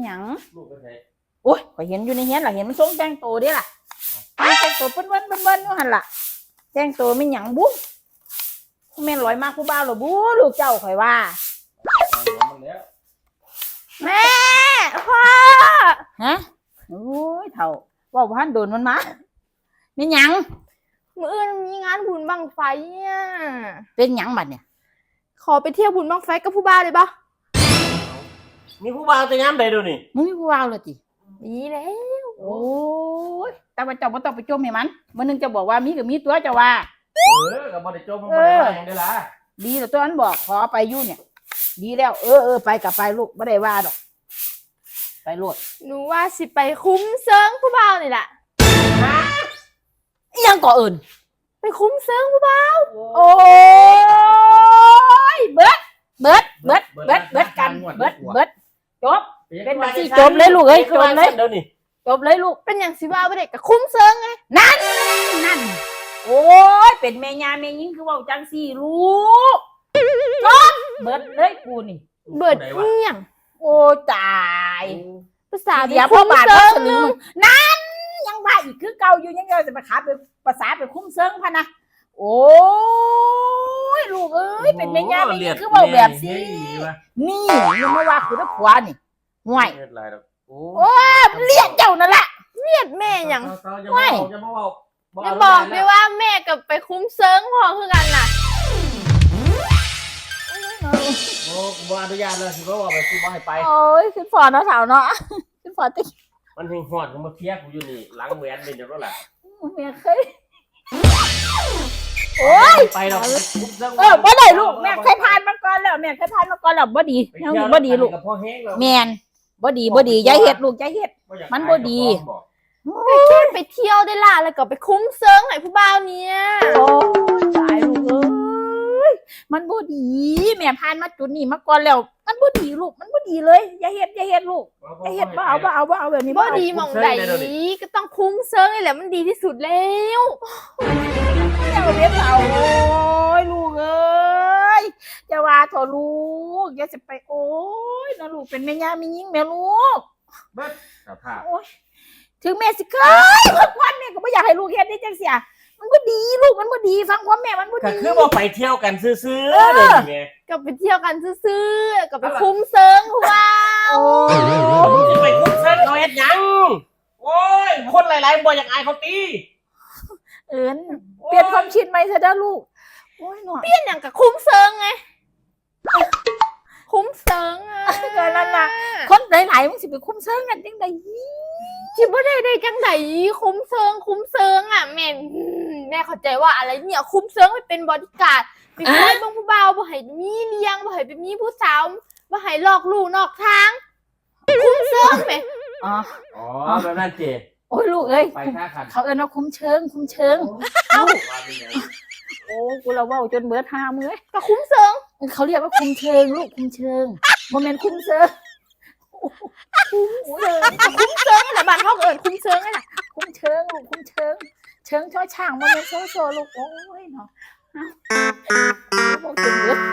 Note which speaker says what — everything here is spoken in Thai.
Speaker 1: หยัง
Speaker 2: ลูกก็ใช่
Speaker 1: โอ้ยข่อยเห็นอยู่ในเฮียนล่ะเห็นมันทรงแต่งตัวเด้ล่ะแต่งตัวเปิ้นอยู่หั่นล่ะแต่งตัวไม่หยังบุ้งแม่นลอยมากผู้บ่าวหรอบูลูกเจ้าข่อยว่า
Speaker 2: มันแล้ว
Speaker 3: แม่พ่อ
Speaker 1: ฮะโอ้ยเฒ่าว่าบ่ทันโดนมันมาไม่หยัง
Speaker 3: มื้ออื่นมีงานบุญบั้งไฟอ่ะ
Speaker 1: เป็นหยังบัดเนี่ย
Speaker 3: ขอไปเที่ยวบุญบั้งไฟกับผู้บ่าวเลยปะ
Speaker 2: มีผู้บ่าวจะย้ำใดดูนี่
Speaker 1: มึงมีผู้บ่าวเลยติ
Speaker 3: มีแล้ว
Speaker 1: โอ้ยแต่ว่าเจ้าบ่ต้องไปจมให้มันมื้อนึงจะบอกว่ามีก็มีตัวเจ้าว่า
Speaker 2: ก็บ่ได้จมบ่ได้ว่าหยังได้ล่ะ
Speaker 1: ดีแล้วตัวนั้นบอกขอไปอยู่เนี่ยดีแล้วไปกลับไปลูกบ่ได้ว่าดอกไปโลด
Speaker 3: หนูว่าสิไปคุ้มเซิงผู้บ่าวนี่แหละ
Speaker 1: ยังก่ออื่น
Speaker 3: ไปคุ้มเซิงผู้บ่าว
Speaker 1: โอ้ยเบิดกันเบิดจบเป็นแบบที่จบเลยลูกเอ้ยจบเลยจบเลยลูก
Speaker 3: เป็นอย่างสิว่าบ่ได้กับคุ้มเซิงไง
Speaker 1: นั่นโอ้ยเป็นแม่ยาแม่ยิงคือว่าจังสี่ลูกจบเบิดเลยกูนี่
Speaker 3: เบิดเมี่ยง
Speaker 1: โอ้ตาย
Speaker 3: ภาษา
Speaker 1: เดียวพ่อบาทพ่อสลึงนั่นยังว่าอีกคือเก่าอยู่ยังจะมาขาเป็นภาษาเป็นคุ้มเซิงพะนะโอ้ยลูกเอ้ยเป็นแม่ย่าไม่คือว่าแบบสินี่ยังไม่ว่าคือตะขวานี่ห่วยโอ้เลียดเจ้านั่นแหละ
Speaker 3: เลียดแม่ยัง
Speaker 1: ห่วย
Speaker 3: อย่าบอกด้วยว่าแม่กับไปคุ้มเซิงพอคือกันน่ะ
Speaker 2: โอ้บ่อนุญาตเลยสิบ่ว่าไปสิบ่ให้ไป
Speaker 1: โอ้ยขึ้นฟอเนาะสาวเนาะขึ้นฟอติ๊ก
Speaker 2: มันเฮงฮอดกูมาเทียกูอยู่นี่หลังแหวนเป็นจังซั่นล่ะ
Speaker 1: แม่เคยโอ้ย
Speaker 2: ไปดอก
Speaker 1: บ่ได้ลูกแม่เคยผ่านมาก่อนแล้วแม่เคยผ่านมาก่อนแล้วบ่ดียังบ่ดีลูกแม่นบ่ดีอย่าเฮ็ดลูกอย่าเฮ็ดมันบ่ดี
Speaker 3: แค่ไปเที่ยวได้ล่ะแล้วก็ไปคุ้มเซิงให้ผู้บ่าวเนี่ย
Speaker 1: โอ้ยตายลูกเอ้ยมันบ่ดีแม่ผ่านมาจุดนี้มาก่อนแล้วมันบ่ดีลูกมันบ่ดีเลยอย่าเฮ็ดลูกอย่าเฮ็ดบ่เอาแบบนี้
Speaker 3: บ่ดีหม่องใดก็ต้องคุ้มเซิงนี่แหละมันดีที่สุดแล้ว
Speaker 1: อย่าเรียกเอาโอ้ยลูกเอ้ยจะว่าเถอะลูกอย่าสิไปโอ้ยนะลูกเป็นแม่ย่ามียิ่งแม่ลูก
Speaker 2: เบิดสภาพ
Speaker 1: โอ้ยถึงแม่สิเคยวันแม่ก็ไม่อยากให้ลูกเฮ็ดได้จังเสียมันบ่ดีลูกมันบ่ดีฟังความแม่มันบ่ดี
Speaker 2: ก็คือบ่ไปเที่ยวกันซื่อๆเด้อแม่
Speaker 3: ก็ไปเที่ยวกันซื่อๆก็ไปคุ้มเซิงผู้บ่าว
Speaker 2: สิไปคุ้มเซิงเขาเฮ็ดหยังโอ้ยคนหลายๆบ่อยากอายเขาตี
Speaker 1: เปลี่ยนความคิดไหมเถอะนะลูกโอ้ยหน่อย
Speaker 3: เปลี่ยนอย่างกับคุ้มเซิงไงคุ้มเซิง
Speaker 1: ก็นั่นน่ะคนหลายๆมึงสิไปคุ้มเซิงกันจังได๋
Speaker 3: ที่บ่ได้จังได๋คุ้มเซิงอ่ะแม่เข้าใจว่าอะไรเนี่ยคุ้มเซิงไปเป็นบอดี้การ์ดไปคอยเบิ่งผู้บ่าวบ่ให้มีเลี้ยงบ่ให้ไปมีผู้สาวบ่ให้ลอกลู่นอกทางคุ้มเซิงแม่
Speaker 2: อ๋อแบบนั้นเจ
Speaker 1: โอ้ยลูกเอ้ยเขาว่าคุ้มเชิงโอ้กูเราว่าจนเบิด5มื้อ
Speaker 3: ก็คุ้มเซิง
Speaker 1: เขาเรียกว่าคุ้มเชิงลูกคุ้มเชิงบ่แม่นคุ้มเซิง
Speaker 3: นี่แหละบ้านเฮาเอิ้นคุ้มเซิงนี่แหละ
Speaker 1: คุ้มเชิงลูกคุ้มเชิงช่อช่างบ่แม่นโซลูกโอ้ยเนาะบอกจนเบิด